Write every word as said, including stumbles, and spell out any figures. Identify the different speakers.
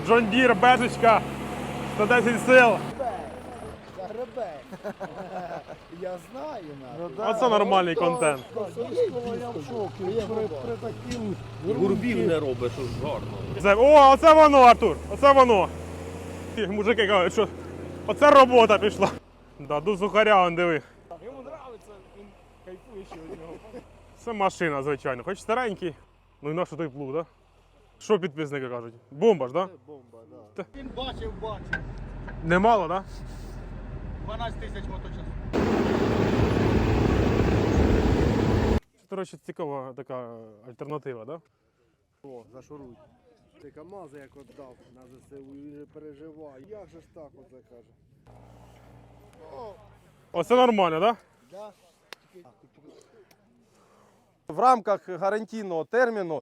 Speaker 1: John Deere, бежечка, сто десять сил.
Speaker 2: Загребе. Я знаю,
Speaker 3: Ну,
Speaker 2: на.
Speaker 1: Оце нормальний контент.
Speaker 3: Я в шокі. При, при таким
Speaker 4: Гурбів не робить, що ж гарно.
Speaker 1: Це, о, оце воно, Артур, оце воно. Ті мужики кажуть, що оце робота пішла. Да, до сухаря, он диви.
Speaker 3: Йому подобається, він кайфує ще від нього.
Speaker 1: Це машина, звичайно, хоч старенький. Ну і на що той плуг, так? Да? Що підписники кажуть? Бомба ж, так? Да?
Speaker 2: Бомба, да. Він бачив, бачив.
Speaker 1: Немало, так? Да?
Speaker 2: дванадцять тисяч моточасів.
Speaker 1: Це, до речі, цікава така альтернатива, так? Да?
Speaker 3: О, зашуруй. Ти КамАЗи як віддав на ЗСУ, він же переживає. Як же ж так оце каже?
Speaker 1: Оце нормально, так? Да?
Speaker 2: Да?
Speaker 5: В рамках гарантійного терміну